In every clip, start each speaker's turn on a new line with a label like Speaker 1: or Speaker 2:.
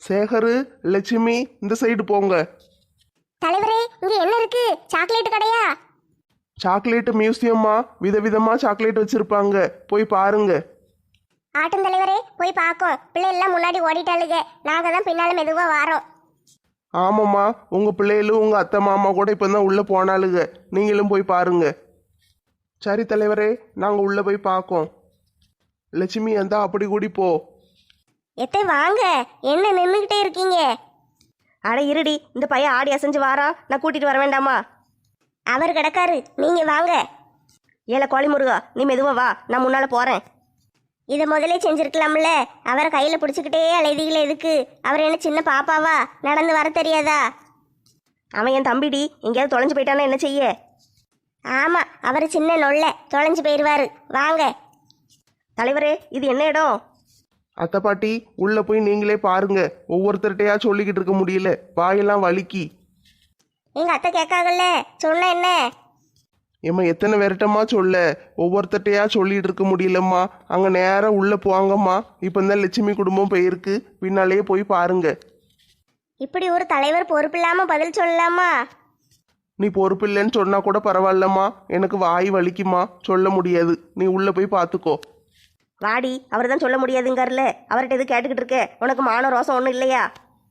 Speaker 1: சேகரு, லட்சுமி இந்த சைடு போங்க.
Speaker 2: தலைவரே, இங்க என்ன இருக்கு? சாக்லேட் கடையா?
Speaker 1: சாக்லேட் மியூசியம்மா, விதவிதமா சாக்லேட் வச்சிருப்பாங்க, போய் பாருங்க.
Speaker 2: ஆட்டும் தலைவரே, போய் பார்க்கோம். பிள்ளை எல்லாம் முன்னாடி ஓடிட்டாளுங்க, நாங்க தான் பின்னால மெதுவா வாரோம்.
Speaker 1: ஆமாம்மா, உங்க பிள்ளைகளும் உங்க அத்தை மாமா கூட இப்பதான் உள்ள போனாளுங்க, நீங்களும் போய் பாருங்க. சரி தலைவரே, நாங்க உள்ள போய் பார்க்கோம். லட்சுமி அந்த அப்படி கூடி போ.
Speaker 2: எத்தே வாங்க, என்ன நின்றுகிட்டே இருக்கீங்க?
Speaker 3: அட இருடி, இந்த பையன் ஆடி அசைஞ்சு வாரான், நான் கூட்டிட்டு வர வேண்டாமா?
Speaker 2: அவர் கிடக்காரு, நீங்க வாங்க.
Speaker 3: ஏல கோழி முருகா, நீ மெதுவா வா, நான் முன்னால போறேன்.
Speaker 2: இதை முதலே செஞ்சிருக்கலாம்ல. அவரை கையில பிடிச்சிக்கிட்டே அலைதிகளே எதுக்கு? அவர் என்ன சின்ன பாப்பாவா? நடந்து வர தெரியாதா?
Speaker 3: அவன் என் தம்பிடி, எங்கேயாவது தொலைஞ்சு போயிட்டானா என்ன செய்ய?
Speaker 2: ஆமா, அவர் சின்ன நொல்ல, தொலைஞ்சு போயிடுவாரு. வாங்க.
Speaker 3: தலைவரே, இது என்ன இடம்?
Speaker 1: அத்தை பாட்டி, உள்ள போய் நீங்களே பாருங்க. ஒவ்வொருத்தர்கிட்டயா சொல்லிக்கிட்டு இருக்க முடியல, வாயெல்லாம் வலிக்கி.
Speaker 2: எங்க அத்தை கேட்காங்கல்ல, சொன்ன என்ன?
Speaker 1: ஏம்மா எத்தனை விரட்டமா சொல்ல, ஒவ்வொருத்தட்டையா சொல்லிட்டு இருக்க முடியலம்மா. அங்க நேரம் உள்ள போவாங்கம்மா. இப்ப இந்த லட்சுமி குடும்பம் போயிருக்கு, பின்னாலேயே போய் பாருங்க.
Speaker 2: இப்படி ஒரு தலைவர் பொறுப்பு இல்லாம பதில் சொல்லலாமா?
Speaker 1: நீ பொறுப்பு இல்லைன்னு சொன்னா கூட பரவாயில்லம்மா, எனக்கு வாய் வலிக்குமா, சொல்ல முடியாது. நீ உள்ள போய் பார்த்துக்கோ.
Speaker 3: வாடி, அவர் தான் சொல்ல முடியாதுங்கார்ல, அவர்கிட்ட எது கேட்டுக்கிட்டு இருக்க? உனக்கு மான ரோசம் ஒன்றும் இல்லையா?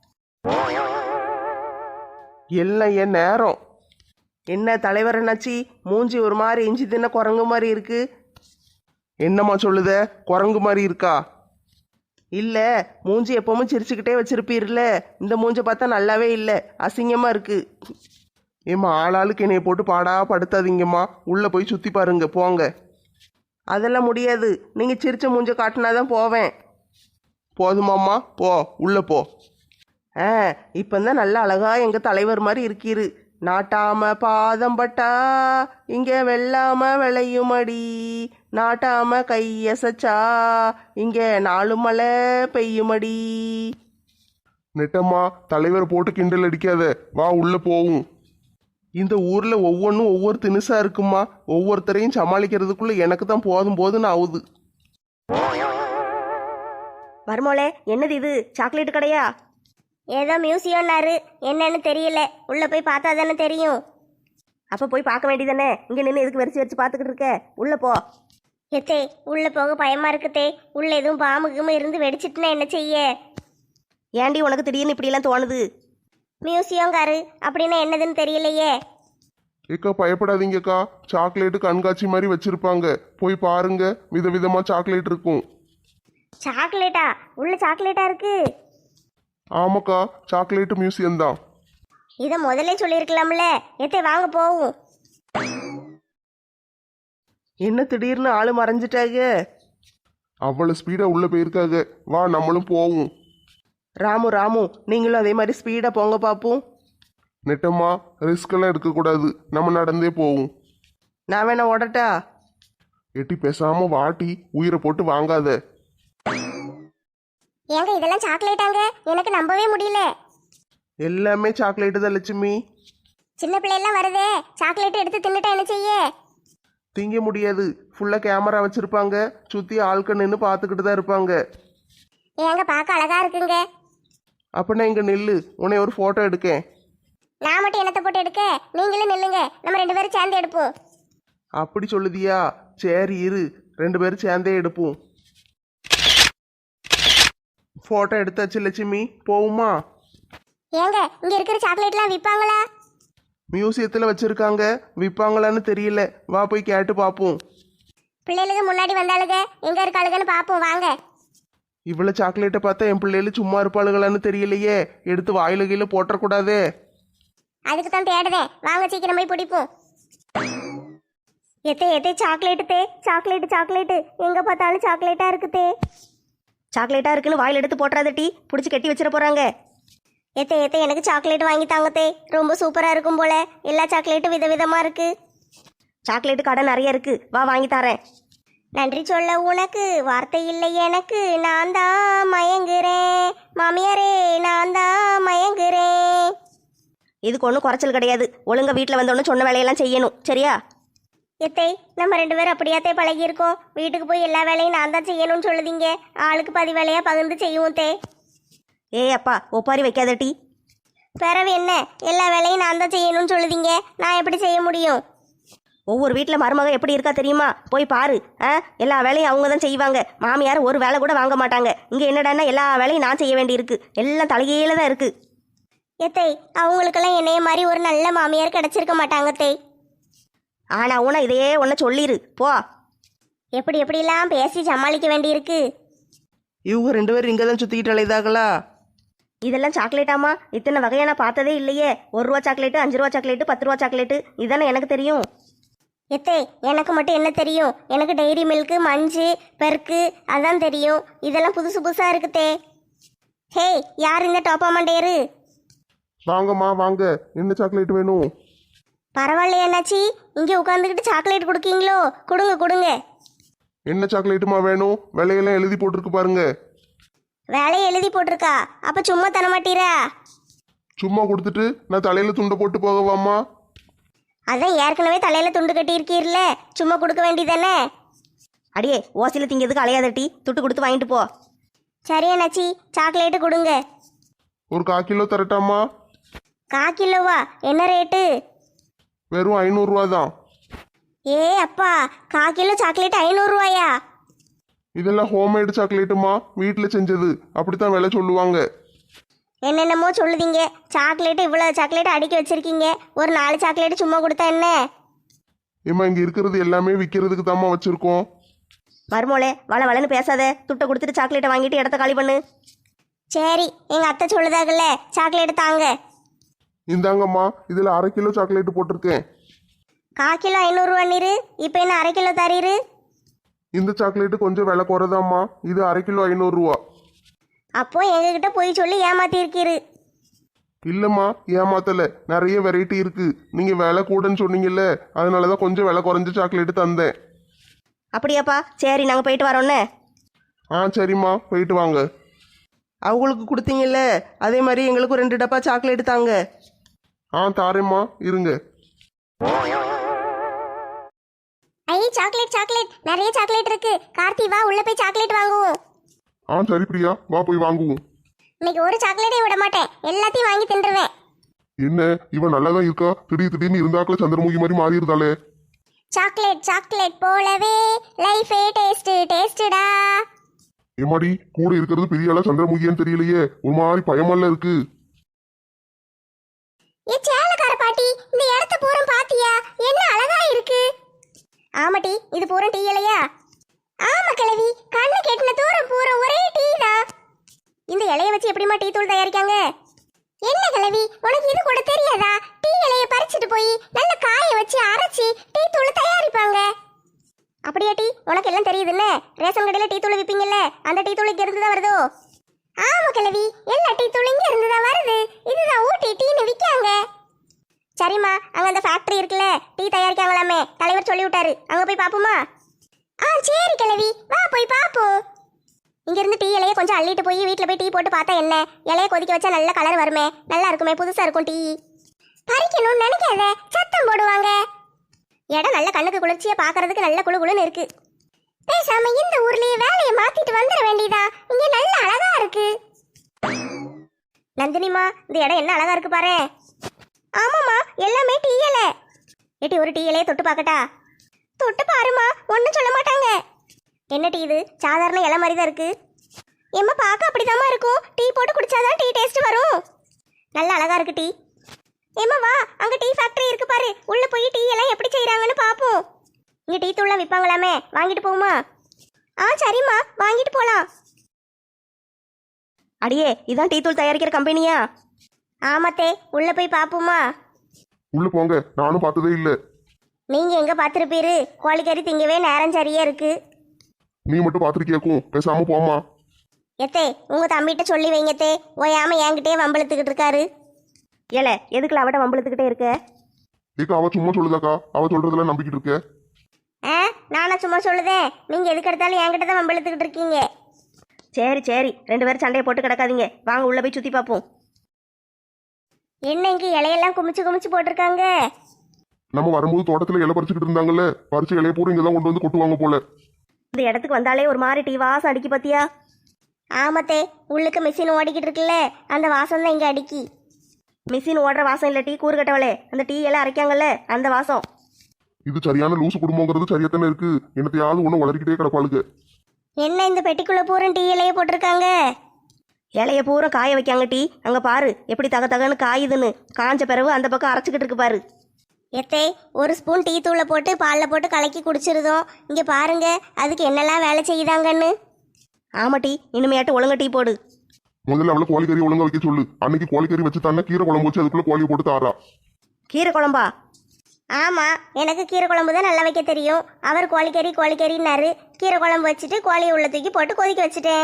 Speaker 1: எல்லாம் என் நேரம்.
Speaker 3: என்ன தலைவர் என்னாச்சி, மூஞ்சி ஒரு மாதிரி இஞ்சி தின்ன குரங்கு மாதிரி இருக்கு?
Speaker 1: என்னம்மா சொல்லுத, குரங்கு மாதிரி இருக்கா?
Speaker 3: இல்லை, மூஞ்சி எப்பவும் சிரிச்சுக்கிட்டே வச்சிருப்பீர்ல, இந்த மூஞ்சை பார்த்தா நல்லாவே இல்லை, அசிங்கமாக இருக்கு.
Speaker 1: ஏம்மா ஆளாளுக்கு என்னைய போட்டு பாடா படுத்தாதீங்கம்மா, உள்ள போய் சுத்தி பாருங்க, போங்க.
Speaker 3: அதெல்லாம் முடியாது, நீங்கள் சிரிச்ச மூஞ்சை காட்டினாதான் போவேன்.
Speaker 1: போதுமாம்மா, போ, உள்ள போ.
Speaker 3: ஆ, இப்போதான் நல்லா அழகா எங்கள் தலைவர் மாதிரி இருக்கீரு. நாட்டாம பாதம் பட்டா இங்கே வெள்ளாம விளையுமடி, நாட்டாம கையசச்சா இங்கே 4 மழை பெய்யுமடி.
Speaker 1: நெட்டம்மா, தலைவரை போட்டு கிண்டல் அடிக்காத, வா உள்ள போவும். இந்த ஊர்ல ஒவ்வொன்றும் ஒவ்வொரு தினுசா இருக்குமா, ஒவ்வொருத்தரையும் சமாளிக்கிறதுக்குள்ள எனக்கு தான் போதும் போதுன்னு ஆகுது.
Speaker 3: வருமோளே, என்னது இது, சாக்லேட் கடையா?
Speaker 2: ஏதோ மியூசியம்னாரு, என்னன்னு தெரியல. உள்ள போய் பார்த்தா தானே தெரியும்.
Speaker 3: அப்போ போய் பார்க்க வேண்டியதானே, இங்கே நின்று எதுக்கு வரிச்சு வரிச்சு பார்த்துக்கிட்டு இருக்க? உள்ள போ.
Speaker 2: எத்தே, உள்ள போக பயமா இருக்குதே. உள்ள எதுவும் பாம்புக்குமே இருந்து வெடிச்சிட்டுனா என்ன செய்ய?
Speaker 3: ஏண்டி உனக்கு திடீர்னு இப்படியெல்லாம் தோணுது?
Speaker 2: மியூசியம்காரு அப்படின்னா என்னதுன்னு தெரியலையே.
Speaker 1: ஏக்கா பயப்படாதீங்கக்கா, சாக்லேட்டு கண்காட்சி மாதிரி வச்சிருப்பாங்க, போய் பாருங்க. விதவிதமா சாக்லேட் இருக்கும்.
Speaker 2: சாக்லேட்டா? உள்ள சாக்லேட்டா இருக்கு?
Speaker 1: ஆமாக்கா, சாக்லேட் மியூசியம் தான்.
Speaker 2: இதை முதல்ல சொல்லியிருக்கலாம்ல. எத்தே வாங்க போவும்.
Speaker 3: என்ன திடீர்னு ஆளு மறைஞ்சிட்டாங்க?
Speaker 1: அவ்வளவு ஸ்பீடா உள்ள போயிருக்காங்க, வா நம்மளும் போவோம்.
Speaker 3: ராமு, நீங்களும் அதே மாதிரி ஸ்பீடாக போங்க பார்ப்போம்.
Speaker 1: நெட்டம்மா, ரிஸ்க் எல்லாம் எடுக்கக்கூடாது, நம்ம நடந்தே போவோம்.
Speaker 3: நான் வேணா ஓடட்டா?
Speaker 1: எட்டி பேசாம வாட்டி, உயிரை போட்டு வாங்காத.
Speaker 2: ஏங்க இதெல்லாம் சாக்லேட்டாங்க? எனக்கு நம்பவே முடியல.
Speaker 1: எல்லாமே சாக்லேட்டு தான் லட்சுமி.
Speaker 2: சின்ன பிள்ளையெல்லாம் வருதே, சாக்லேட் எடுத்து தின்னுட்டா என்ன செய்ய?
Speaker 1: திங்க முடியாது, ஃபுல்லா கேமரா வச்சிருப்பாங்க, சுத்தி ஆட்கள் நின்று பார்த்துக்கிட்டு தான் இருப்பாங்க.
Speaker 2: ஏங்க பார்க்க அழகா இருக்குங்க.
Speaker 1: அப்படின்னா இங்க நில்லு, உன்னை ஒரு போட்டோ எடுக்கேன்.
Speaker 2: நான் மட்டும் என்னத்தை போட்டு எடுக்க? நீங்களும் நில்லுங்க, நம்ம 2 பேரும் சேர்ந்து எடுப்போம்.
Speaker 1: அப்படி சொல்லுதியா? சரி இரு, 2 பேரும் சேர்ந்தே எடுப்போம். போட்டோ எடுத்தாச்சு லட்சுமி, போவுமா?
Speaker 2: ஏங்க இங்க இருக்கிற சாக்லேட்லாம் விற்பாங்களா?
Speaker 1: மியூசியத்தில் வச்சிருக்காங்க, விற்பாங்களான்னு தெரியல, வா போய் கேட்டு பார்ப்போம்.
Speaker 2: பிள்ளைகளுக்கு முன்னாடி வந்தாளுங்க, எங்க இருக்காளுங்கன்னு பார்ப்போம் வாங்க.
Speaker 1: இவ்வளோ சாக்லேட்டை பார்த்தா என் பிள்ளைகள் சும்மா இருப்பாளுகளான்னு தெரியலையே, எடுத்து வாயில கீழே போட்டக்கூடாதே.
Speaker 2: அதுக்கு தான் தேடுதேன், வாங்க சீக்கிரம் போய் பிடிப்போம். எத்தே சாக்லேட்டு தே, சாக்லேட்டு எங்க பார்த்தாலும் சாக்லேட்டா இருக்குதே.
Speaker 3: சாக்லேட்டாக இருக்குன்னு வாயில் எடுத்து போட்டுறாத டீ, பிடிச்சி கட்டி வச்சிட போகிறாங்க.
Speaker 2: எத்தே எனக்கு சாக்லேட் வாங்கி தாங்கத்தே, ரொம்ப சூப்பரா இருக்கும் போல. எல்லா சாக்லேட்டும் விதவிதமா இருக்கு.
Speaker 3: சாக்லேட்டு கடை நிறைய இருக்கு, வா வாங்கி தரேன்.
Speaker 2: நன்றி சொல்ல உனக்கு வார்த்தை இல்லை எனக்கு, நான் தான் மயங்குறேன் மாமியாரே, நான் தான் மயங்குறேன்.
Speaker 3: இதுக்கு ஒன்றும் குறைச்சல் கிடையாது, ஒழுங்கா வீட்டில் வந்தோன்னு சொன்ன வேலையெல்லாம் செய்யணும், சரியா?
Speaker 2: எத்தை நம்ம 2 பேரும் அப்படியாத்தே பழகியிருக்கோம். வீட்டுக்கு போய் எல்லா வேலையும் நான் தான் செய்யணும்னு சொல்லுதீங்க. ஆளுக்கு 10 வேலையா பகிர்ந்து செய்வோம் தே.
Speaker 3: ஏய் அப்பா ஒப்பாரி வைக்காத டீ.
Speaker 2: பிறவு என்ன, எல்லா வேலையும் நான் தான் செய்யணும்னு சொல்லுதீங்க, நான் எப்படி செய்ய முடியும்?
Speaker 3: ஒவ்வொரு வீட்டில் மருமக எப்படி இருக்கா தெரியுமா? போய் பாரு. எல்லா வேலையும் அவங்க தான் செய்வாங்க. மாமியார் ஒரு வேலை கூட வாங்க மாட்டாங்க. இங்கே என்னடான்னா எல்லா வேலையும் நான் செய்ய வேண்டியிருக்கு. எல்லாம் தலைகீழ தான் இருக்கு.
Speaker 2: எத்தை, அவங்களுக்கெல்லாம் என்னைய மாதிரி ஒரு நல்ல மாமியார் கிடைச்சிருக்க மாட்டாங்க தே.
Speaker 3: ஆனா உன இதையே ஒன்று சொல்லிரு போ.
Speaker 2: எப்படி எப்படிலாம் பேசி சமாளிக்க வேண்டியிருக்கு.
Speaker 3: இவங்க 2 பேரும் இங்கே தான் சுற்றிக்கிட்டு அலைதாங்களா? இதெல்லாம் சாக்லேட்டாமா? இத்தனை வகையை நான் பார்த்ததே இல்லையே. 1 ரூபா சாக்லேட்டு, 5 ரூபா சாக்லேட்டு, 10 ரூபா சாக்லேட்டு, இதானே எனக்கு தெரியும்.
Speaker 2: எத்தை, எனக்கு மட்டும் என்ன தெரியும்? எனக்கு டைரி மில்க்கு, மஞ்சு, பெருக்கு அதான் தெரியும். இதெல்லாம் புதுசு புதுசாக இருக்குதே. ஹே, யார் இந்த டோப்பா மண்டையரு?
Speaker 1: வாங்கம்மா வாங்க, என்ன சாக்லேட் வேணும்?
Speaker 2: பரவாயில்லையா அண்ணாச்சி, இங்கே உட்காந்துக்கிட்டு சாக்லேட் கொடுக்கீங்களோ? கொடுங்க கொடுங்க.
Speaker 1: என்ன சாக்லேட்டுமா வேணும்? விலையெல்லாம் எழுதி போட்டிருக்கு பாருங்க.
Speaker 2: வேலையை எழுதி போட்டிருக்கா? அப்போ சும்மா தர மாட்டீரா?
Speaker 1: சும்மா கொடுத்துட்டு நான் தலையில துண்டை போட்டு போகவாம்மா?
Speaker 2: அதான் ஏற்கனவே தலையில் துண்டு கட்டியிருக்கீர்ல, சும்மா கொடுக்க வேண்டியதானே?
Speaker 3: அடியே ஓசியில் திங்கிறதுக்கு அலையாத டீ. துட்டு கொடுத்து வாங்கிட்டு போ.
Speaker 2: சரி அண்ணாச்சி, சாக்லேட்டு கொடுங்க.
Speaker 1: ஒரு 1/4 கிலோ தரட்டாமா?
Speaker 2: 1/4 கிலோவா? என்ன ரேட்டு?
Speaker 1: வெறும் 500 ரூபா தான்.
Speaker 2: ஏ அப்பா, 1/4 கிலோ சாக்லேட் 500 ரூபாயா?
Speaker 1: இதெல்லாம் ஹோம்மேடு சாக்லேட்டுமா, வீட்டில் செஞ்சது. அப்படித்தான் விலை சொல்லுவாங்க.
Speaker 2: என்னென்னமோ சொல்லுதீங்க. சாக்லேட்டு இவ்வளோ சாக்லேட் அடுக்கி வச்சிருக்கீங்க, ஒரு 4 சாக்லேட்டு சும்மா கொடுத்தா என்ன?
Speaker 1: ஏம்மா இங்கே இருக்கிறது எல்லாமே விற்கிறதுக்கு தாம்மா வச்சுருக்கோம்.
Speaker 3: மருமோளே வள வளன்னு பேசாத. துட்டை கொடுத்துட்டு சாக்லேட்டை வாங்கிட்டு இடத்த காலி பண்ணு.
Speaker 2: சரி, எங்கள் அத்தை சொல்லுதாகல்ல, சாக்லேட்டு தாங்க.
Speaker 1: இந்தாங்கம்மா, இதில் 1/2 கிலோ சாக்லேட்டு போட்டிருக்கேன்.
Speaker 2: 1/4 கிலோ 500 ரூபா நீரு, இப்போ என்ன 1/2 கிலோ தரீரு?
Speaker 1: இந்த சாக்லேட்டு கொஞ்சம் விலை குறைதாம்மா, இது 1/2 கிலோ 500 ரூபா.
Speaker 2: அப்போ எங்ககிட்ட போய் சொல்லி ஏமாத்திருக்கீரு.
Speaker 1: இல்லைம்மா, ஏமாத்தலை. நிறைய வெரைட்டி இருக்கு. நீங்கள் விலை கூடன்னு சொன்னீங்கல்ல, அதனால தான் கொஞ்சம் விலை குறைஞ்ச சாக்லேட்டு தந்தேன்.
Speaker 3: அப்படியாப்பா? சரி நாங்கள் போயிட்டு வரோன்னே.
Speaker 1: சரிம்மா, போயிட்டு வாங்க.
Speaker 3: அவங்களுக்கு கொடுத்தீங்கல்ல, அதே மாதிரி எங்களுக்கும் 2 டப்பா சாக்லேட்டு தாங்க.
Speaker 1: தாரேம்மா, இருங்க.
Speaker 2: ஐ சாக்லேட் சாக்லேட், நிறைய சாக்லேட் இருக்கு. கார்த்தி வா, உள்ள போய் சாக்லேட் வாங்குவோம்.
Speaker 1: சரி பிரியா, வா போய் வாங்குவோம்.
Speaker 2: இன்னைக்கு ஒரு சாக்லேட்டே விட மாட்டேன், எல்லாத்தையும் வாங்கி தின்றுவேன்.
Speaker 1: என்ன இவன் நல்லா தான் இருக்கா, திடீர்னு இருந்தாக்கள சந்திரமுகி மாதிரி மாறிடுதாளே.
Speaker 2: சாக்லேட் சாக்லேட் போலவே லைஃபே டேஸ்ட் டேஸ்டடா.
Speaker 1: ஏமாடி, கூட இருக்கிறது பெரிய ஆளா சந்திரமுகியான்னு தெரியலையே, ஒரு மாதிரி பயமால இருக்கு.
Speaker 2: ஏ சேலக்கார பாட்டி, இந்த இடத்த பூரா பாத்தியா? என்ன அழகா இருக்கு. ஆமாட்டி, இது பூரா டீ இலையா? ஆமா கிழவி, கண்ணு கெட்டின தூரம் பூரா ஒரே டீ தான். இந்த இலைய வச்சு எப்படிமா டீ தூள் தயாரிக்காங்க? என்ன கிழவி, உனக்கு இது கூட தெரியாதா? டீ இலைய பறிச்சுட்டு போய் நல்ல காய வச்சு அரைச்சி டீ தூள் தயாரிப்பாங்க. அப்படியா டீ? உனக்கு எல்லாம் தெரியுதுல்ல. ரேஷன் கடையில டீ தூள் விப்பீங்கல்ல, அந்த டீ தூள் இங்க இருந்து தான் வருதோ? ஆமா கிழவி, எல்லா டீ தூள் இங்க இருந்து தான் வருது. இதுதான் ஊட்டி டீன்னு விற்காங்க. சரிம்மா, அங்க அந்த ஃபேக்டரி இருக்குல்ல, டீ தயாரிக்காங்களாமே, தலைவர் சொல்லி விட்டாரு. அங்க போய் பாப்போமா? சரி கிழவி, வா போய் பாப்போம். இங்க இருந்து டீ இலைய கொஞ்சம் அள்ளிட்டு போய் வீட்டுல போய் டீ போட்டு பார்த்தா என்ன? இலைய கொதிக்க வச்சா நல்ல கலர் வருமே, நல்லா இருக்குமே, புதுசா இருக்கும் டீ. பறிக்கணும்னு நினைக்காத, சத்தம் போடுவாங்க. இடம் நல்ல கண்ணுக்கு குளிர்ச்சியா பாக்குறதுக்கு நல்ல குளு குளுன்னு இருக்கு. பேசாம இந்த ஊர்லயே வேலையை மாத்திட்டு வந்துட வேண்டியதா, இங்க நல்ல அழகா இருக்கு. நந்தினிமா, இந்த இடம் என்ன அழகா இருக்கு பாரு. ஆமாமா, எல்லாமே டீ இலை. ஏட்டி, ஒரு டீ இலையை தொட்டு பார்க்கட்டா? தொட்டு பாருமா, ஒன்றும் சொல்ல மாட்டாங்க. என்ன டீ இது? சாதாரண இலை மாதிரி தான் இருக்கு. எம்மா, பார்க்க அப்படிதாம்மா இருக்கும். டீ போட்டு குடிச்சாதான் டீ டேஸ்ட் வரும். நல்ல அழகா இருக்கு டீ. ஏம்மா வா, அங்க டீ ஃபேக்டரி இருக்கு பாரு, உள்ள போய் டீ எல்லாம் எப்படி செய்யறாங்கன்னு பாப்போம். இங்க டீ தூள்லாம் விற்பாங்களாமே, வாங்கிட்டு போகுமா? சரிம்மா, வாங்கிட்டு போலாம்.
Speaker 3: அடியே, இதான் டீ தூள் தயாரிக்கிற கம்பெனியா?
Speaker 2: ஆமாத்தே, உள்ள போய் பாப்போமா?
Speaker 1: உள்ள போங்க, நானும் பார்த்ததே இல்லை.
Speaker 2: நீங்க எங்க பாத்துருப்பீரு? கோழிக்கறி திங்கவே நேரம் சரியா இருக்கு.
Speaker 1: நீ மட்டும் பார்த்துருக்கியாக்கும், பேசாம போமா.
Speaker 2: எத்தே, உங்க தம்பிகிட்ட சொல்லி வைங்கத்தே, ஓயாம என்கிட்டயே வம்பளத்துக்கிட்டு இருக்காரு.
Speaker 3: ஏல, எதுக்குல அவட்ட வம்பளத்துக்கிட்டே இருக்க?
Speaker 1: ஏக்கா, அவ சும்மா சொல்லுதாக்கா, அவ சொல்றதுல நம்பிக்கிட்டு இருக்க.
Speaker 2: நானா சும்மா சொல்லுதேன்? நீங்க எதுக்கு எடுத்தாலும் என்கிட்ட தான் வம்பளத்துக்கிட்டு இருக்கீங்க.
Speaker 3: சரி சரி, 2 பேரும் சண்டையை போட்டு கிடக்காதீங்க, வாங்க உள்ள போய் சுத்தி பார்ப்போம்.
Speaker 2: என்ன இங்க இலையெல்லாம் குமிச்சு குமிச்சு போட்டிருக்காங்க?
Speaker 1: நம்ம வரும்போது தோட்டத்துல இலை பறிச்சுக்கிட்டு இருந்தாங்கல்ல, பறிச்ச இலைய பூரா இங்கதான் கொண்டு வந்து கொட்டுவாங்க போல.
Speaker 3: இந்த இடத்துக்கு வந்தாலே ஒரு மாதிரி டீ வாசம் அடிக்கி பாத்தியா?
Speaker 2: ஆமத்தே, உள்ளுக்கு மிஷின் ஓடிக்கிட்டு இருக்குல்ல, அந்த வாசம் தான் இங்க அடிக்கி.
Speaker 3: மிஷின் ஓடுற வாசம் இல்லை டீ கூறு கட்டவளே, அந்த டீ எல்லாம் அரைக்காங்கல்ல அந்த வாசம்.
Speaker 4: இது சரியான லூசு குடும்பங்கிறது சரியாத்தானே இருக்கு. என்னத்தையாவது ஒண்ணு வளர்க்கிட்டே கிடப்பாளுங்க.
Speaker 2: என்ன இந்த பெட்டிக்குள்ள பூரம் டீ இலைய போட்டிருக்காங்க?
Speaker 3: இலைய பூரா காய வைக்காங்க டீ. அங்கே பாரு எப்படி தக தகன்னு காயுதுன்னு. காஞ்ச பிறகு அந்த பக்கம் அரைச்சிக்கிட்டு இருக்கு பாரு.
Speaker 2: எத்தே, ஒரு ஸ்பூன் டீ தூளை போட்டு பாலில் போட்டு கலக்கி குடிச்சிருதோம். இங்கே பாருங்க அதுக்கு என்னெல்லாம் வேலை செய்யுதாங்கன்னு.
Speaker 3: ஆமா டீ, இனிமையாட்டு ஒழுங்க டீ போடு.
Speaker 4: முதல்ல அவளை கோழிக்கறி ஒழுங்கா வைக்க சொல்லு. அன்னைக்கு கோழிக்கறி வச்சு தானே கீரை குழம்பு வச்சு அதுக்குள்ள கோழியை போட்டு தாரா.
Speaker 3: கீரை குழம்பா?
Speaker 2: ஆமாம், எனக்கு கீரை குழம்பு தான் நல்லா வைக்க தெரியும். அவர் கோழிக்கறின்னாரு. கீரை குழம்பு வச்சுட்டு கோழியை உள்ள தூக்கி போட்டு கொதிக்க வச்சுட்டேன்.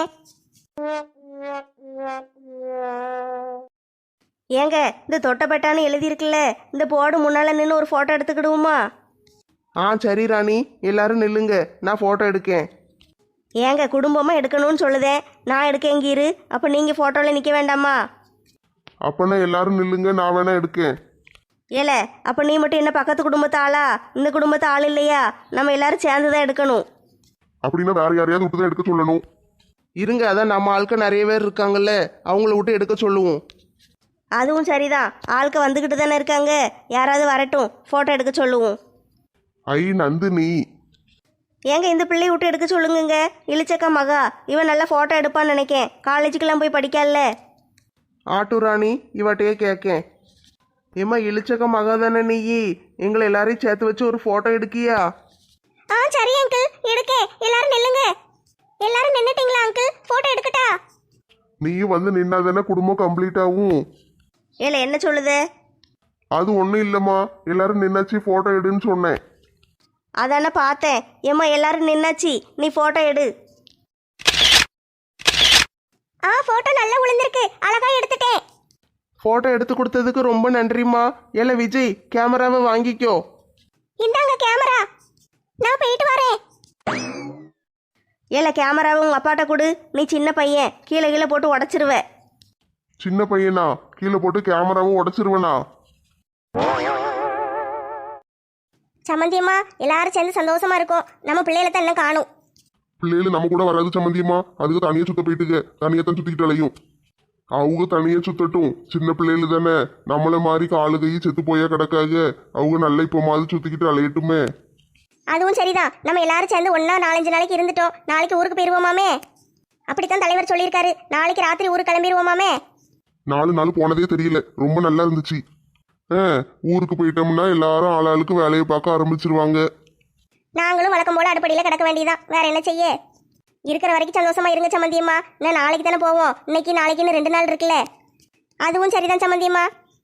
Speaker 3: ஏங்க இந்த தொட்டப்பட்டான்னு எழுதியிருக்குல்ல, இந்த போர்டு முன்னால நின்று ஒரு ஃபோட்டோ எடுத்துக்கிடுவோமா?
Speaker 1: சரி ராணி, எல்லாரும் நில்லுங்க, நான் ஃபோட்டோ எடுக்கேன்.
Speaker 3: ஏங்க குடும்பமாக எடுக்கணும்னு சொல்லுதேன், நான் எடுக்கேங்கீரு. அப்போ நீங்கள் ஃபோட்டோவில் நிற்க வேண்டாமா?
Speaker 4: அப்பனா எல்லாரும் நில்லுங்க, நான் வேணா எடுக்கேன்.
Speaker 3: ஏல, அப்போ நீ மட்டும் என்ன பக்கத்து குடும்பத்து ஆளா? இந்த குடும்பத்து ஆள் இல்லையா? நம்ம எல்லாரும் சேர்ந்து தான் எடுக்கணும்.
Speaker 4: அப்படின்னா வேற யாரையாவது விட்டு தான் எடுக்க சொல்லணும்.
Speaker 1: இருங்க, அதான் நம்ம ஆட்கள் நிறைய பேர் இருக்காங்கல்ல, அவங்கள விட்டு எடுக்க சொல்லுவோம்.
Speaker 3: அதுவும் சரிதான், ஆளுக்கு வந்துக்கிட்டு தானே இருக்காங்க. யாராவது வரட்டும், ஃபோட்டோ எடுக்க சொல்லுவோம்.
Speaker 4: ஐ நந்தினி,
Speaker 3: ஏங்க இந்த பிள்ளையை விட்டு எடுக்க சொல்லுங்கங்க. இளிச்சக்கா மகா, இவன் நல்லா ஃபோட்டோ எடுப்பான்னு நினைக்கேன். காலேஜுக்கெல்லாம் போய் படிக்கல.
Speaker 1: ஆட்டு ராணி, இவட்டையே கேட்கேன். ஏம்மா இழிச்சக்க மகா தானே நீ? எங்களை எல்லாரையும் சேர்த்து வச்சு ஒரு ஃபோட்டோ எடுக்கியா?
Speaker 2: சரி அங்கிள், எடுக்கேன். எல்லாரும் நில்லுங்க. எல்லாரும் நின்னுட்டீங்களா அங்கிள்? போட்டோ எடுக்கட்டா?
Speaker 4: நீயும் வந்து நின்னாதானே குடும்பம் கம்ப்ளீட் ஆகும்.
Speaker 3: ஏல என்ன சொல்லுது?
Speaker 4: அது ஒன்றும் இல்லைம்மா, எல்லாரும் நின்னாச்சு ஃபோட்டோ எடுன்னு சொன்னேன்.
Speaker 3: அதானே பார்த்தேன். ஏம்மா எல்லாரும் நின்னாச்சு, நீ ஃபோட்டோ எடு.
Speaker 2: போட்டோ நல்லா விழுந்திருக்கு, அழகா எடுத்துட்டேன்.
Speaker 1: ஃபோட்டோ எடுத்து கொடுத்ததுக்கு ரொம்ப நன்றிம்மா. ஏல விஜய், கேமராவை வாங்கிக்கோ.
Speaker 2: இந்தாங்க கேமரா, நான் போயிட்டு வரேன்.
Speaker 3: ஏல கேமராவை உங்கள் அப்பாட்ட கொடு. நீ சின்ன பையன், கீழே கீழே போட்டு உடச்சிருவ.
Speaker 4: சின்ன பையனா? கீழே போட்டு கேமராவும் உடச்சிருவனா?
Speaker 2: சம்மந்தியம்மா, எல்லாரும் சேர்ந்து சந்தோஷமா இருக்கும். நம்ம பிள்ளைகளை தான் என்ன காணும்.
Speaker 4: பிள்ளைகள் நம்ம கூட வராது சம்மந்தியம்மா. அதுக்கு தனியா சுத்த போயிட்டுங்க, தனியா தான் சுத்திக்கிட்டு அலையும். அவங்க தனியா சுத்தட்டும், சின்ன பிள்ளைகள் தானே. நம்மள மாதிரி காலு கை செத்து போயா கிடக்காக. அவங்க நல்ல இப்போ மாதிரி சுத்திக்கிட்டு அலையட்டுமே.
Speaker 2: அதுவும் சரிதான். நம்ம எல்லாரும் சேர்ந்து ஒன்னா 4-5 நாளைக்கு இருந்துட்டோம். நாளைக்கு ஊருக்கு போயிருவோமாமே. அப்படித்தான் தலைவர் சொல்லியிருக்காரு. நாளைக்கு ராத்திரி ஊருக்கு கிளம்பிடுவோமாமே.
Speaker 4: 4 நாள் போனதே தெரியல, ரொம்ப நல்லா இருந்துச்சு. ஊருக்கு போயிட்டோம்னா எல்லாரும் ஆளாளுக்கு வேலையை பார்க்க ஆரம்பிச்சிருவாங்க.
Speaker 2: நாங்களும் வழக்கம் போல அடுப்படியில கிடக்க வேண்டியதான். வேற என்ன செய்ய? இருக்கிற வரைக்கும் சந்தோஷமா இருங்க சம்மந்தியம்மா. நான் நாளைக்கு தானே போவோம். இன்னைக்கு நாளைக்குன்னு 2 நாள் இருக்குல்ல. அதுவும் சரிதான் சம்மந்தியம்மா.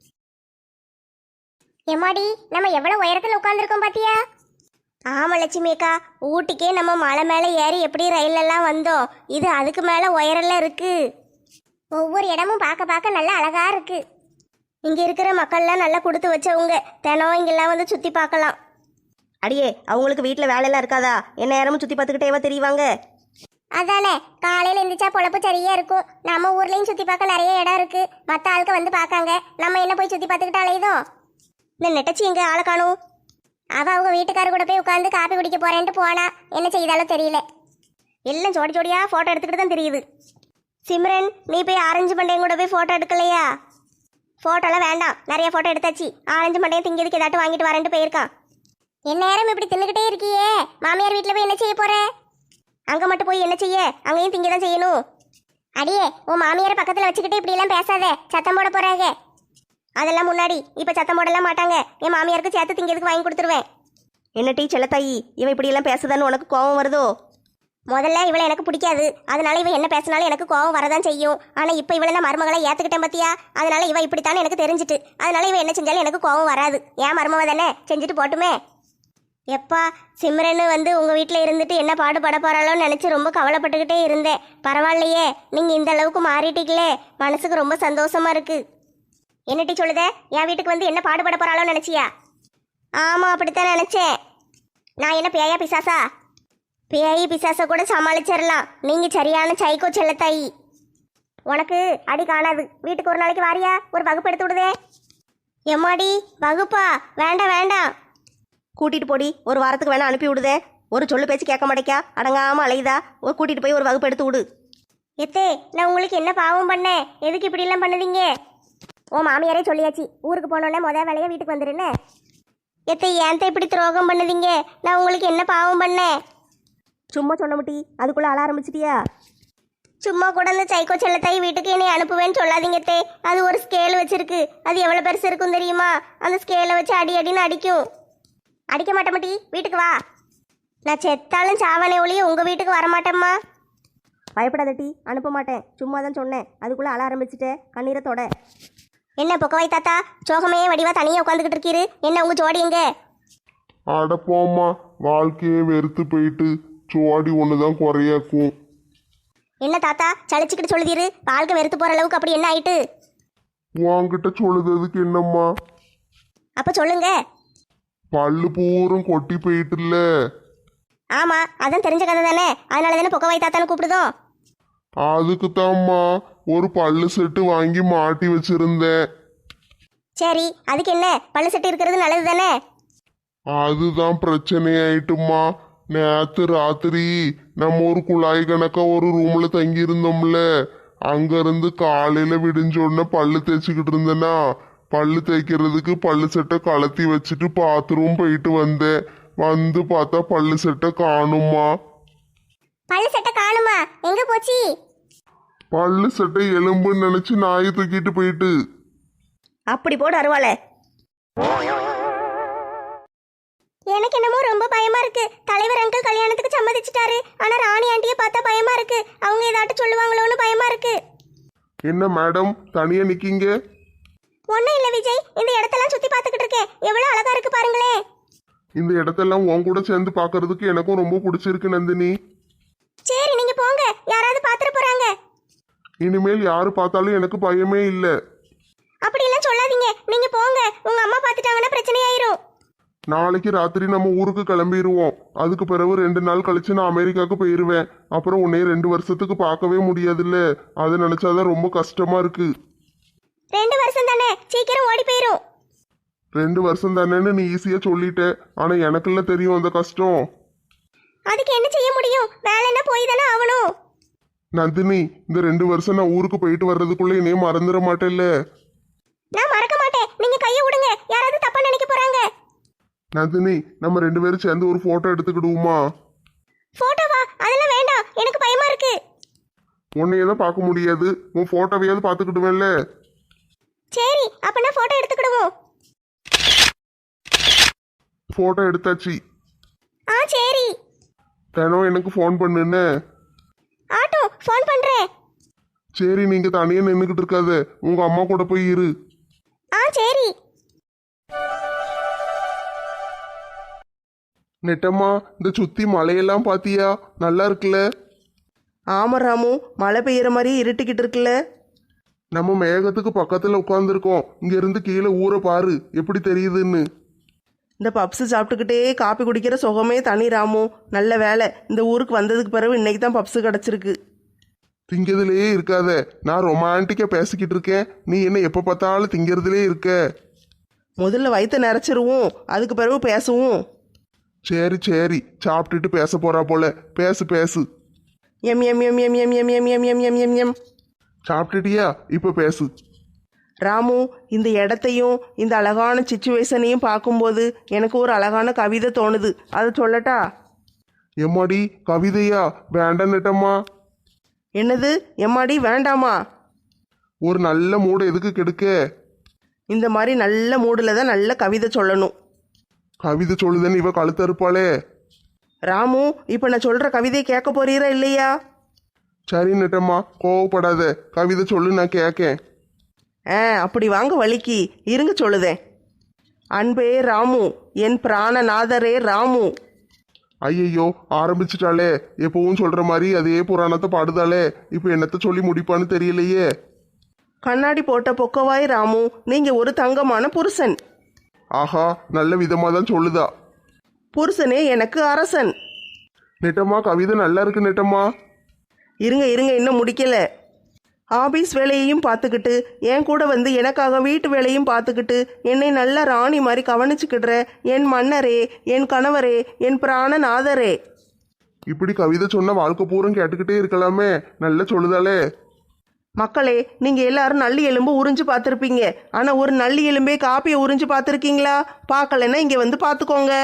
Speaker 2: எம்மாடி, நம்ம எவ்வளவு உயரத்துல உட்கார்ந்துருக்கோம் பாத்தியா? ஆமா லட்சுமி அக்கா, ஊட்டிக்கே நம்ம மலை மேலே ஏறி எப்படி ரயிலெல்லாம் வந்தோம். இது அதுக்கு மேலே உயரெல்லாம் இருக்கு. ஒவ்வொரு இடமும் பார்க்க பார்க்க நல்லா அழகா இருக்கு. இங்க இருக்கிற மக்கள்லாம் நல்லா கொடுத்து வச்சவங்க. தினம் இங்கெல்லாம் வந்து சுத்தி பார்க்கலாம்.
Speaker 3: அடியே, அவங்களுக்கு வீட்டில் வேலையெல்லாம் இருக்காதா? என்ன நேரமும் சுற்றி பார்த்துக்கிட்டேவா தெரியுவாங்க?
Speaker 2: அதானே, காலையில எந்திரிச்சா பொழப்பு சரியா இருக்கும். நம்ம ஊர்லயும் சுத்தி பார்க்க நிறைய இடம் இருக்கு. மற்ற ஆளுக்கு வந்து பார்க்காங்க. நம்ம என்ன போய் சுத்தி பார்த்துக்கிட்டு அலையுதோ? இந்த நெட்டச்சி எங்க ஆளை காணும். அவங்க வீட்டுக்கார கூட போய் உட்காந்து காப்பி குடிக்க போறேன்ட்டு போனா. என்ன செய்தாலும் தெரியல. எல்லாம் ஜோடி ஜோடியா போட்டோ எடுத்துக்கிட்டு தான் தெரியுது. சிம்ரன், நீ போய் ஆரஞ்சு மண்டையும் கூட போய் போட்டோ எடுக்கலையா? போட்டோலாம் வேண்டாம், நிறைய போட்டோ எடுத்தாச்சு. ஆரஞ்சு மண்டையும் திங்கிறதுக்கு ஏதாட்டும் வாங்கிட்டு வரேன்ட்டு போயிருக்கான். என் நேரம் இப்படி தின்னுக்கிட்டே இருக்கியே, மாமியார் வீட்டில் போய் என்ன செய்ய போற? அங்கே மட்டும் போய் என்ன செய்ய? அங்கேயும் திங்க தான் செய்யணும். அடியே, உன் மாமியாரை பக்கத்தில் வச்சுக்கிட்டு இப்படி எல்லாம் பேசாத, சத்தம் போட போறாங்க. அதெல்லாம் முன்னாடி, இப்போ சத்தம் போடலாம் மாட்டாங்க. என் மாமியாருக்கு சேர்த்து திங்கிறதுக்கு வாங்கி கொடுத்துருவேன்.
Speaker 3: என்ன டீ செல்லத்தாயி, இவன் இப்படியெல்லாம் பேசுதான்னு உனக்கு கோபம் வருதோ?
Speaker 2: முதல்ல இவளை எனக்கு பிடிக்காது. அதனால இவ என்ன பேசினாலும் எனக்கு கோவம் வரதான் செய்யும். ஆனால் இப்போ இவளை நான் மருமகளை ஏற்றுக்கிட்டேன் பத்தியா? அதனால இவ இப்படித்தானே எனக்கு தெரிஞ்சிட்டு. அதனால இவ என்ன செஞ்சாலும் எனக்கு கோவம் வராது. ஏன் மருமவ தானே, செஞ்சுட்டு போட்டுமே. எப்பா, சிம்ரன் வந்து உங்கள் வீட்டில் இருந்துட்டு என்ன பாடுபட போகிறாளோன்னு நினச்சி ரொம்ப கவலைப்பட்டுக்கிட்டே இருந்தேன். பரவாயில்லையே, நீங்கள் இந்த அளவுக்கு மாறிட்டீங்களே, மனசுக்கு ரொம்ப சந்தோஷமா இருக்கு. என்னட்டி சொல்லுத? என் வீட்டுக்கு வந்து என்ன பாடுபட போகிறாளோன்னு நினச்சியா? ஆமாம், அப்படித்தான் நினச்சேன். நான் என்ன பேயா பிசாசா? பேய் பிசாசை கூட சமாளிச்சிடலாம். நீங்கள் சரியான சைக்கோ செல்லத்தாயி. உனக்கு அடி காணாது. வீட்டுக்கு ஒரு நாளைக்கு வாரியா? ஒரு வகுப்பு எடுத்து விடுதே. எம்மாடி, வகுப்பா? வேண்டாம் வேண்டாம்.
Speaker 3: கூட்டிகிட்டு போடி, ஒரு வாரத்துக்கு வேணா அனுப்பி விடுதே. ஒரு சொல்லு பேச்சு கேட்க மாட்டேக்கா, அடங்காமல் அலையுதா. கூட்டிகிட்டு போய் ஒரு வகுப்பு எடுத்து விடு.
Speaker 2: எத்தே நான் உங்களுக்கு என்ன பாவம் பண்ணேன்? எதுக்கு இப்படிலாம் பண்ணுவீங்க? ஓ மாமியாரே சொல்லியாச்சு, ஊருக்கு போனோடனே முத வேலையை வீட்டுக்கு வந்துருன்னு. எத்தே ஏன்த்த இப்படி துரோகம் பண்ணுவீங்க? நான் உங்களுக்கு என்ன பாவம் பண்ணேன்?
Speaker 3: சும்மா சொன்ன முட்டி, அதுக்குள்ளே அழ ஆரம்பிச்சிட்டியா?
Speaker 2: சும்மா கூட அந்த சைக்கோ செல்லத்தாய் வீட்டுக்கு என்னை அனுப்புவேன்னு சொல்லாதீங்க தே. அது ஒரு ஸ்கேல் வச்சிருக்கு. அது எவ்வளோ பெருசு இருக்கும் தெரியுமா? அந்த ஸ்கேலை வச்சு அடி அடின்னு அடிக்கும். அடிக்க மாட்டேன் மாட்டி, வீட்டுக்கு வா. நான் செத்தாலும் சாவனே ஒழிய உங்கள் வீட்டுக்கு வரமாட்டேம்மா.
Speaker 3: பயப்படாதட்டி, அனுப்ப மாட்டேன். சும்மா தான் சொன்னேன், அதுக்குள்ளே அழ ஆரம்பிச்சிட்டேன். கண்ணீரை தொட.
Speaker 2: என்ன பொக்கவாய் தாத்தா, சோகமே வடிவா தனியாக உட்காந்துக்கிட்டு இருக்கீரு. என்ன உங்கள் ஜோடி எங்க?
Speaker 4: அடப்போம்மா, வாழ்க்கையே வெறுத்து போயிட்டு சோடி ஒண்ணுதான் குறையாக்கும்.
Speaker 2: என்ன தாத்தா சளிச்சுக்கிட்டு சொல்லுதீரு? வாழ்க்கை வெறுத்து போகிற அளவுக்கு அப்படி என்ன ஆயிட்டு?
Speaker 4: உன்கிட்ட சொல்லுறதுக்கு என்னம்மா?
Speaker 2: அப்போ சொல்லுங்க.
Speaker 4: பல்லு பூரம் கொட்டி போயிட்டுல.
Speaker 2: ஆமாம், அதான் தெரிஞ்ச கதை தானே. அதனால தானே பொக்கவாய் தாத்தான்னு கூப்பிடுதோம்.
Speaker 4: அதுக்கு தான்மா ஒரு பல்லு செட்டு வாங்கி மாட்டி வச்சிருந்தேன்.
Speaker 2: சரி, அதுக்கு என்ன? பல்லு செட்டு இருக்கிறது நல்லது தானே.
Speaker 4: அதுதான் பிரச்சனை ஆயிட்டுமா. நேத்து ராத்திரி நம்ம ஒரு குழாய் கணக்கா ஒரு ரூம்ல தங்கி இருந்தோம்ல, அங்க இருந்து காலையில விடிஞ்சோடனே பல்லு தேய்ச்சிக்கிட்டு இருந்தேனா, பல்லு தேய்க்கிறதுக்கு பல்லு செட்டை கலத்தி வச்சுட்டு பாத்ரூம் போயிட்டு வந்தேன். வந்து பார்த்தா பல்லு செட்டை காணுமா.
Speaker 2: பல்லு செட்டை காணுமா? எங்க போச்சு?
Speaker 4: பல்லு செட்டை எலும்புன்னு நினைச்சு நாயை தூக்கிட்டு போயிட்டு.
Speaker 3: அப்படி போடு அருவாளை.
Speaker 2: எனக்கு என்னமோ ரொம்ப பயமா இருக்கு. தலைவர் அங்கிள் கல்யாணத்துக்கு சம்மதிச்சிட்டாரு. ஆனா ராணி ஆண்டியை பார்த்தா பயமா இருக்கு. அவங்க ஏதாட்டும் சொல்லுவாங்களோன்னு பயமா இருக்கு.
Speaker 4: என்ன மேடம் தனியா நிக்கீங்க?
Speaker 2: ஒன்னும் இல்ல விஜய், இந்த இடத்தெல்லாம் சுத்தி பார்த்துக்கிட்டு இருக்கேன். எவ்வளவு அழகா இருக்கு பாருங்களேன்.
Speaker 4: இந்த இடத்தெல்லாம் உன் கூட சேர்ந்து பார்க்கிறதுக்கு எனக்கும் ரொம்ப பிடிச்சிருக்கு நந்தினி.
Speaker 2: சரி நீங்க போங்க, யாராவது பாத்துட்டு போறாங்க.
Speaker 4: இனிமேல் யாரு பார்த்தாலும் எனக்கு பயமே இல்லை.
Speaker 2: அப்படி எல்லாம் சொல்லாதீங்க, நீங்க போங்க. உங்க அம்மா பார்த்துட்டாங்கன்னா பிரச்சனை ஆயிரும்.
Speaker 4: நாளைக்கு ராத்திரி நம்ம ஊருக்கு கிளம்பிடுவோம். அதுக்கு பிறகு 2 நாள் கழிச்சு நான் அமெரிக்காவுக்கு போயிருவேன். அப்புறம் உன்னைய 2 வருஷத்துக்கு பார்க்கவே முடியாதுல்ல, அதை நினைச்சாதான் ரொம்ப கஷ்டமா இருக்கு.
Speaker 2: 2 வருஷம் தானே, சீக்கிரம் ஓடி போயிரும்.
Speaker 4: 2 வருஷம் தானேன்னு நீ ஈஸியா சொல்லிட்ட, ஆனா எனக்குள்ள தெரியும் அந்த கஷ்டம்.
Speaker 2: அதுக்கு என்ன செய்ய முடியும்? வேலைன்னா போய் தானே ஆகணும்.
Speaker 4: நந்தினி, இந்த 2 வருஷம் நான் ஊருக்கு போயிட்டு வர்றதுக்குள்ள என்னைய மறந்துட மாட்டேல்ல?
Speaker 2: நான் மறக்க மாட்டேன். நீங்க கையை விடுங்க, யாராவது தப்பா நினைக்க போறாங்க.
Speaker 4: நந்தினி, நம்ம 2 பேரும் சேர்ந்து ஒரு போட்டோ எடுத்துக்கிடுவோமா?
Speaker 2: போட்டோவா? அதெல்லாம் வேண்டாம், எனக்கு பயமா இருக்கு.
Speaker 4: உன்னையதான் பார்க்க முடியாது, உன் போட்டோவையாவது பார்த்துக்கிடுவேன்ல.
Speaker 2: சரி, அப்ப நான் போட்டோ எடுத்துக்கிடுவோம்.
Speaker 4: போட்டோ எடுத்தாச்சு.
Speaker 2: சரி.
Speaker 4: தினம் எனக்கு ஃபோன் பண்ணுன்னு.
Speaker 2: ஆட்டோ ஃபோன் பண்றேன்.
Speaker 4: சரி, நீங்க தனியா நின்றுக்கிட்டு இருக்காத, உங்க அம்மா கூட போய் இரு.
Speaker 2: சரி.
Speaker 1: நெட்டம்மா, இந்த சுத்தி மலையெல்லாம் பாத்தியா? நல்லா இருக்குல்ல?
Speaker 5: ஆமா ராமு, மழை பெய்யுற மாதிரி இருட்டிக்கிட்டு இருக்குல்ல.
Speaker 1: நம்ம மேகத்துக்கு பக்கத்துல உட்காந்துருக்கோம். இங்க இருந்து கீழே ஊரை பாரு எப்படி தெரியுதுன்னு.
Speaker 5: இந்த பப்ஸு சாப்பிட்டுக்கிட்டே காப்பி குடிக்கிற சுகமே தனி ராமு. நல்ல வேலை, இந்த ஊருக்கு வந்ததுக்கு பிறகு இன்னைக்கு தான் பப்ஸு கிடச்சிருக்கு.
Speaker 1: திங்கிறதுலயே இருக்காத, நான் ரொமான்டிக்கா பேசிக்கிட்டு இருக்கேன். நீ என்ன எப்ப பார்த்தாலும் திங்கிறதுலே இருக்க.
Speaker 5: முதல்ல வயிற்ற நிறச்சிருவோம், அதுக்கு பிறகு பேசுவோம்.
Speaker 1: சரி சரி, சாப்பிட்டுட்டு பேச போறா போல. பேசு பேசு.
Speaker 5: எம் எம் எம் எம் எம் எம் எம் எம் எம் எம் எம் எம்.
Speaker 1: சாப்பிட்டுட்டியா? இப்ப பேசு.
Speaker 5: ராமு, இந்த இடத்தையும் இந்த அழகான சிச்சுவேஷனையும் பார்க்கும்போது எனக்கு ஒரு அழகான கவிதை தோணுது. அதை சொல்லட்டா?
Speaker 1: எம்மாடி, கவிதையா? வேண்டாம் நெட்டம்மா.
Speaker 5: என்னது எம்மாடி வேண்டாமா?
Speaker 1: ஒரு நல்ல மூடை எதுக்கு கெடுக்க?
Speaker 5: இந்த மாதிரி நல்ல மூடில் தான் நல்ல கவிதை சொல்லணும்.
Speaker 1: கவிதை சொல்லுதேன்னு இவ கழுத்தறுப்பாளே.
Speaker 5: ராமு, இப்போ நான் சொல்கிற கவிதையை கேட்க போறீரா இல்லையா?
Speaker 1: சரி நெட்டம்மா, கோவப்படாத. கவிதை சொல்லு, நான் கேட்கேன்.
Speaker 5: அப்படி வாங்க வலிக்கு இருங்க சொல்லுதேன். அன்பே ராமு, என் பிராணநாதரே ராமு.
Speaker 1: ஐயையோ, ஆரம்பிச்சிட்டாளே. எப்பவும் சொல்ற மாதிரி அதே புராணத்தை பாடுதாளே. இப்போ என்னத்த சொல்லி முடிப்பான்னு தெரியலையே.
Speaker 5: கண்ணாடி போட்ட பொக்கவாய் ராமு, நீங்க ஒரு தங்கமான புருஷன்.
Speaker 1: ஆஹா, நல்ல விதமா தான் சொல்லுதா.
Speaker 5: புருஷனே எனக்கு அரசன்.
Speaker 1: நெட்டம்மா, கவிதை நல்லா இருக்கு நெட்டம்மா.
Speaker 5: இருங்க இருங்க, இன்னும் முடிக்கல. ஆபீஸ் வேலையையும் பார்த்துக்கிட்டு என் கூட வந்து எனக்காக வீட்டு வேலையும் பார்த்துக்கிட்டு என்னை நல்ல ராணி மாதிரி கவனிச்சுக்கிடுற என் மன்னரே, என் கணவரே, என் பிராணநாதரே.
Speaker 1: இப்படி கவிதை சொன்ன வாழ்க்கை பூரம் கேட்டுக்கிட்டே இருக்கலாமே, நல்ல சொல்லுதாலே.
Speaker 5: மக்களே, நீங்க எல்லாரும் நல்லி எலும்பு உறிஞ்சு பார்த்துருப்பீங்க. ஆனா ஒரு நல்லி எலும்பே காப்பியை உறிஞ்சு பார்த்துருக்கீங்களா? பார்க்கலன்னா இங்க வந்து பார்த்துக்கோங்க.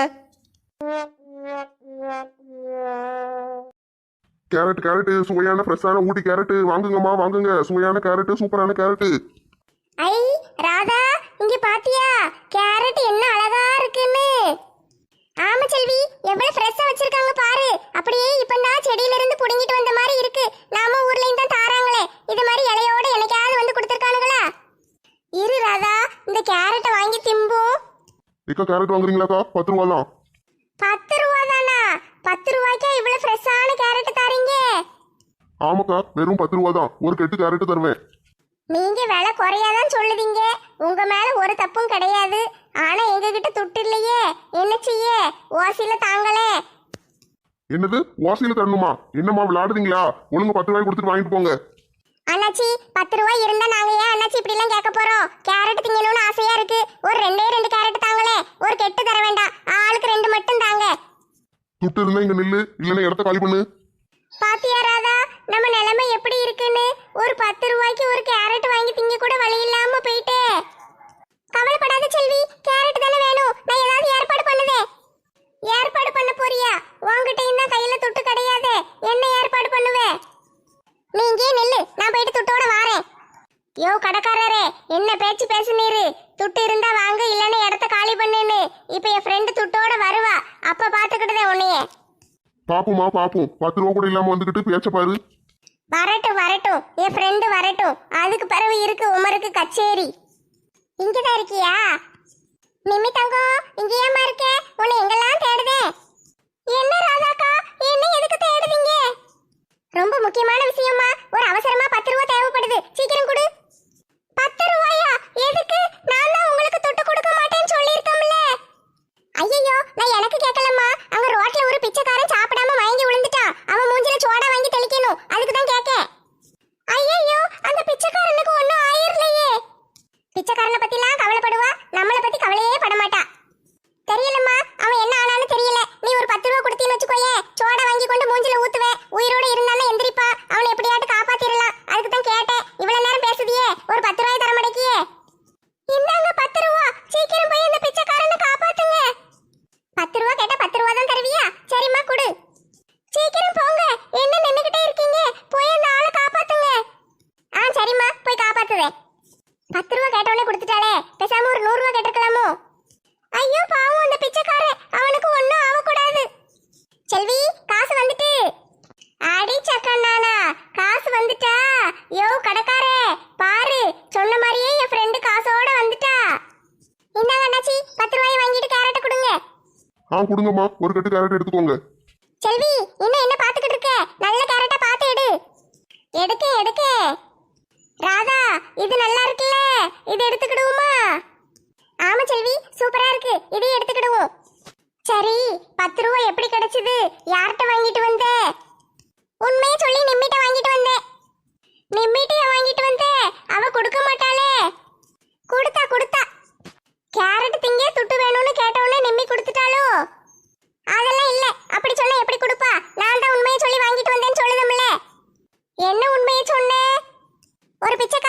Speaker 4: கேரட் கேரட் சுவையான ஃப்ரெஷ்ஷான ஊட்டி கேரட் வாங்குங்கம்மா வாங்குங்க. சுவையான கேரட், சூப்பரான கேரட்.
Speaker 2: ஐ ராதா, இங்க பாத்தியா கேரட் என்ன அழகா இருக்குன்னு? ஆமா செல்வி, எவ்வளவு ஃப்ரெஷ்ஷா வச்சிருக்காங்க பாரு. அப்படியே இப்பதான் செடியில இருந்து புடுங்கிட்டு வந்த மாதிரி இருக்கு. நாம ஊர்லயும் தான் தாராங்களே, இது மாதிரி இலையோட என்னைக்காவது வந்து கொடுத்துருக்கானுங்களா? இரு ராதா, இந்த கேரட்டை வாங்கி திம்போம்.
Speaker 4: இக்கா கேரட் வாங்குறீங்களாக்கா? 10 ரூபா தான்.
Speaker 2: 10 ரூபா தானா? 10 ரூபாய்க்கா இவ்வளவு ஃப்ரெஷ்ஷான கேரட் தாரீங்க?
Speaker 4: ஆமாக்கா, வெறும் 10 ரூபா தான். ஒரு கெட்டு கேரட் தருவேன்.
Speaker 2: நீங்க விலை குறையாதான் சொல்லுதீங்க, உங்க மேல ஒரு தப்பும் கிடையாது. ஆனா எங்க கிட்ட துட்டு இல்லையே, என்ன செய்ய? ஓசில தாங்களே.
Speaker 4: என்னது வாசியில தரணுமா? என்னம்மா விளையாடுறீங்களா? ஒழுங்கு 10 ரூபாய் கொடுத்துட்டு வாங்கிட்டு போங்க.
Speaker 2: அண்ணாச்சி 10 ரூபாய் இருந்தா நாங்க ஏன் அண்ணாச்சி இப்படி எல்லாம் கேட்க போறோம்? கேரட் திங்கணும்னு ஆசையா இருக்கு. ஒரு 2 கேரட் தாங்களே, ஒரு கெட்டு தர வேண்டாம். ஆளுக்கு 2 மட்டும் தாங்க.
Speaker 4: துட்டு இருந்தா இங்க நில்லு, இல்லைன்னா இடத்த காலி பண்ணு.
Speaker 2: பாத்தியா ராதா, நம்ம நிலைமை எப்படி இருக்குன்னு? ஒரு 10 ரூபாய்க்கு ஒரு கேரட் வாங்கி திங்க கூட வழி இல்லாம போயிட்டே. கவலைப்படாத செல்வி, கேரட் தானே வேணும். நான் ஏதாவது ஏற்பாடு பண்ணுதே. ஏற்பாடு பண்ண போறியா? உன்கிட்டயும் தான் கையில துட்டு கிடையாது, என்ன ஏற்பாடு பண்ணுவே? நீ இங்கே நில்லு, நான் போயிட்டு துட்டோட வாரேன். யோ கடைக்காரரே, என்ன பேச்சு பேசுனீரு? துட்டு இருந்தா வாங்க, இல்லைன்னா இடத்த காலி பண்ணுன்னு. இப்ப என் ஃப்ரெண்டு துட்டோட வருவா, அப்ப பாத்துக்கிட்டதே உன்னையே.
Speaker 4: பாப்புமா பாப்போம். 10 ரூபா கூட இல்லாம வந்துகிட்டு பேச்ச பாரு.
Speaker 2: வரட்டும் வரட்டும், என் ஃப்ரெண்டு வரட்டும். அதுக்கு பிறகு இருக்கு உமருக்கு கச்சேரி. இங்கதான் இருக்கியா? நிம்மி தங்கம், இங்க ஏமா இருக்க? உன்னை எங்கெல்லாம் தேடுதே. என்ன ராதாக்கா, என்ன எதுக்கு தேடுதீங்க? ரொம்ப முக்கியமான விஷயமா, ஒரு அவசரமா 10 ரூபா தேவைப்படுது, சீக்கிரம் கொடு. 10 ரூபாயா? எதுக்கு? நான் தான் உங்களுக்கு துட்டு கொடுக்க மாட்டேன்னு சொல்லியிருக்கோம்ல. ஐயோ, நான் எனக்கு கேட்கலம்மா. அங்க ரோட்ல ஒரு பிச்சைக்காரன் சாப்பிடாம மயங்கி விழுந்துட்டான். அவன் மூஞ்சில சோடா வாங்கி தெளிக்கணும், அதுக்கு தான் கேட்க. ஐயோ, அந்த பிச்சைக்காரனுக்கு ஒன்னும் ஆயிரலையே. பிச்சைக்காரனை பத்திலாம் கவலைப்படுவா, நம்மளை பத்தி கவலையே பட மாட்டா. தெரியலம்மா, அவன் என்ன ஆனான்னு தெரியல. நீ ஒரு 10 ரூபா கொடுத்தீன்னு வச்சுக்கோயே, சோடா வாங்கி கொண்டு மூஞ்சில ஊத்துவேன். உயிரோட இருந்தாலும் எந்திரிப்பா. அவனை எப்படியாட்டு காப்பாத்திரலாம், அதுக்கு தான் கேட்டேன். இவ்வளவு நேரம் பேசுதியே, ஒரு 10 ரூபாய் தர மாட்டேக்கியே. இந்தாங்க 10 ரூபா, சீக்கிரம் போய் அந்த பிச்சைக்காரனை காப்பாத்துங்க. 10 ரூபா கேட்டா 10 ரூபா தான் தருவியா? சரிம்மா கொடு. சீக்கிரம் போங்க, என்ன நின்னுகிட்டே இருக்கீங்க? போய் அந்த ஆளை காப்பாத்துங்க. சரிம்மா, போய் காப்பாத்துதே. 10 ரூபா கேட்டவனே கொடுத்துட்டாளே, பேசாம ஒரு 100 ரூபா கேட்டிருக்கலாமோ? ஐயோ பாவம் அந்த பிச்சைக்காரன், அவனுக்கு ஒன்னும் ஆகக்கூடாது. செல்வி, காசு வந்துட்டு. அடி சக்கண்ணானா, காசு வந்துட்டா? யோ கடைக்காரே, பாரு, சொன்ன மாதிரியே என் ஃப்ரெண்டு காசோட வந்துட்டா. இந்தாங்க அண்ணாச்சி, 10 ரூபாய் வாங்கிட்டு கேரட்டை கொடுங்க.
Speaker 4: கொடுங்கம்மா, ஒரு கட்டு கேரட் எடுத்துக்கோங்க.
Speaker 2: செல்வி, இன்னும் என்ன பாத்துக்கிட்டு இருக்க? நல்ல கேரட்டா பார்த்து எடு. எடுக்க. ராதா, இது நல்லா இருக்குல்ல, இது எடுத்துக்கிடுவோமா? ஆமா செல்வி, சூப்பரா இருக்கு, இதையும் எடுத்துக்கிடுவோம். சரி, 10 ரூபாய் எப்படி கிடைச்சது? யார்கிட்ட வாங்கிட்டு வந்த? உண்மையை சொல்லி நிம்மிட்ட வாங்கிட்டு வந்தேன். நிம்மிட்டையா வாங்கிட்டு வந்த? அவ கொடுக்க மாட்டாளே. கொடுத்தா. கேரட் திங்க துட்டு வேணும்னு கேட்டவுடனே நிம்மி கொடுத்துட்டாளோ? அதெல்லாம் இல்ல, அப்படி சொன்னா எப்படி கொடுப்பா? நான் தான் உண்மையை சொல்லி வாங்கிட்டு வந்தேன்னு சொல்லுதம்ல. என்ன உண்மையை சொன்னேன்? ஒரு பிச்சைக்காரன்